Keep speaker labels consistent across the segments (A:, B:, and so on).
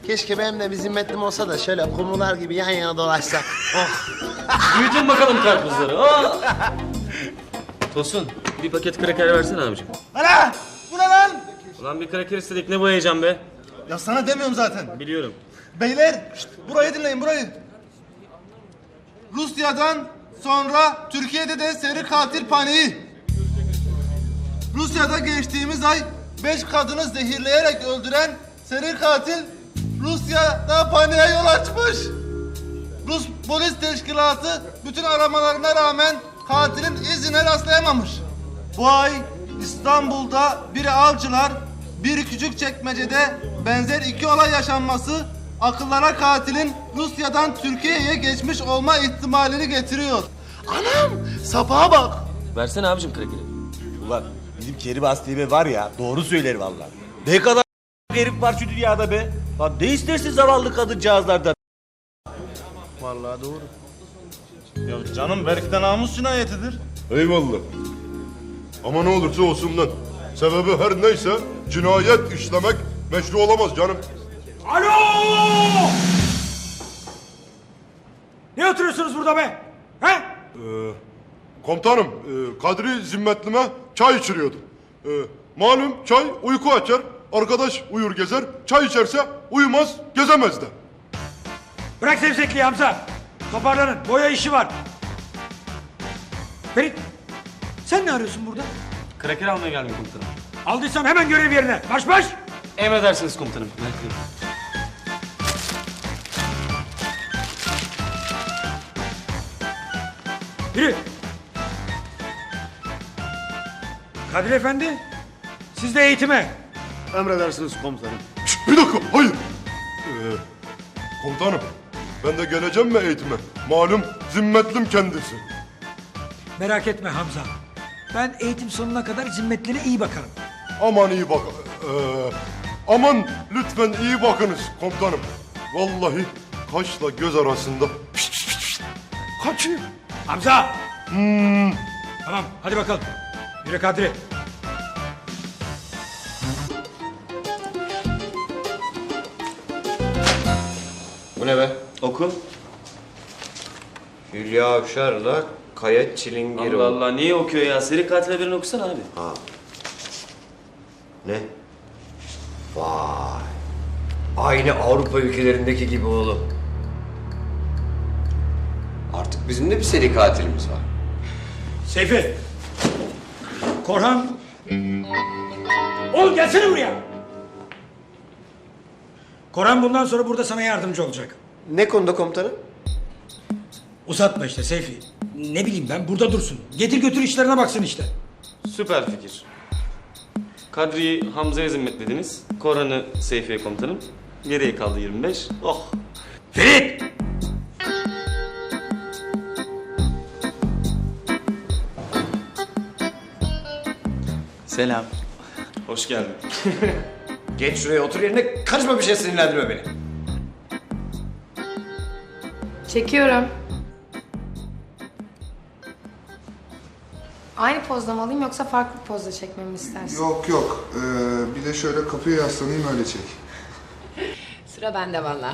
A: Keşke benim de bir zimmetlim olsa da şöyle kumrular gibi yan yana dolaşsak. Oh.
B: Büyütün bakalım karpuzları. Oh! Tosun, bir paket kraker versene abicim.
C: Ana! Bu ne lan?
B: Ulan bir kraker istedik, ne bu heyecan be?
C: Ya sana demiyorum zaten.
B: Biliyorum.
C: Beyler, burayı dinleyin burayı. Rusya'dan sonra Türkiye'de de seri katil paniği. Rusya'da geçtiğimiz ay 5 kadını zehirleyerek öldüren seri katil Rusya'da paniğe yol açmış. Rus polis teşkilatı bütün aramalarına rağmen katilin izine rastlayamamış. Bu ay İstanbul'da biri Avcılar, biri Küçükçekmece'de benzer 2 olay yaşanması akıllara katilin Rusya'dan Türkiye'ye geçmiş olma ihtimalini getiriyor.
A: Anam, sapağa bak.
B: Versene abicim krakeri.
D: Ulan bizim Kerim Aslı Bey var ya, doğru söyler vallahi. Ne kadar herif var şu dünyada be. Lan ne istersin zavallı kadıncağızlardan?
C: Vallahi doğru. Ya canım belki de namus cinayetidir.
E: Eyvallah. Ama ne olursa olsun lan. Sebebi her neyse cinayet işlemek meşru olamaz canım.
F: Alo! Ne oturuyorsunuz burada be? He?
E: Komutanım, Kadri zimmetlime çay içiriyordum. Malum çay uyku açar, arkadaş uyur gezer, çay içerse uyumaz, gezemez de.
F: Bırak sevzekliği Hamza. Toparlanın. Boya işi var. Ferit, sen ne arıyorsun burada?
B: Kraker almaya geldim komutanım.
F: Aldıysan hemen görev yerine. Marş marş!
B: Emredersiniz komutanım.
F: Yürü. Kadir Efendi, siz de eğitime.
E: Emredersiniz komutanım. Bir dakika, hayır. Komutanım, ben de geleceğim mi eğitime? Malum zimmetlim kendisi.
F: Merak etme Hamza. Ben eğitim sonuna kadar zimmetlere iyi bakarım.
E: Aman iyi bak. Aman lütfen iyi bakınız komutanım. Vallahi kaşla göz arasında. Kaçıyor.
F: Hamza! Tamam, hadi bakalım. Yürü Kadri.
G: Bu ne be?
B: Oku.
G: Hülya Avşar'la Kaya Çilingiroğlu.
B: Allah Allah, niye okuyor ya? Seri katil haberini okusana abi.
G: Ne? Vay. Aynı Avrupa ülkelerindeki gibi oğlum. Artık bizim de bir seri katilimiz var.
F: Seyfi. Korhan. Oğlum gelsene buraya. Korhan bundan sonra burada sana yardımcı olacak.
G: Ne konuda komutanım?
F: Uzatma işte Seyfi. Ne bileyim ben, burada dursun. Getir götür işlerine baksın işte.
B: Süper fikir. Kadri'yi Hamza'ya zimmetlediniz. Korhan'ı Seyfi'ye komutanım. Geriye kaldı 25. Oh!
F: Ferit!
B: Selam. Hoş geldin.
G: Geç şuraya otur yerine, karışma, bir şey sinirlendirme beni.
H: Çekiyorum. Aynı pozda mı alayım yoksa farklı bir pozda çekmemi istersin?
I: Yok yok. Bir de şöyle kapıya yaslanayım öyle çek.
H: Sıra bende valla.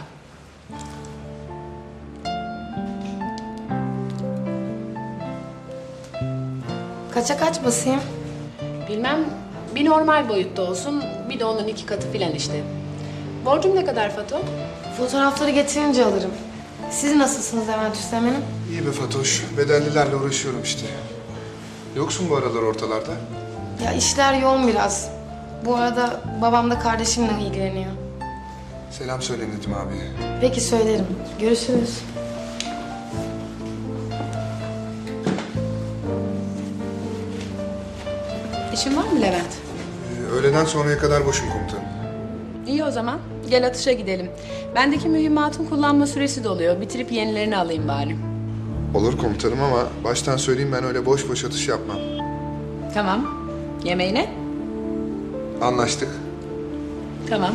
H: Kaça kaç basayım?
J: Bilmem, bir normal boyutta olsun, bir de onun 2 katı filan işte. Borcum ne kadar Fato?
H: Fotoğrafları getirince alırım. Siz nasılsınız Levent Üsteğmen'im?
I: İyi be Fatoş. Bedellilerle uğraşıyorum işte. Yoksun bu aralar ortalarda.
H: Ya işler yoğun biraz. Bu arada babam da kardeşimle ilgileniyor.
I: Selam söyle Nedim abi.
H: Peki söylerim. Görüşürüz.
J: İşin var mı Levent?
I: Öğleden sonraya kadar boşum komutanım.
J: İyi o zaman, gel atışa gidelim. Bendeki mühimmatın kullanma süresi doluyor, bitirip yenilerini alayım bari.
I: Olur komutanım ama baştan söyleyeyim, ben öyle boş boş atış yapmam.
J: Tamam, yemeğine?
I: Anlaştık.
J: Tamam.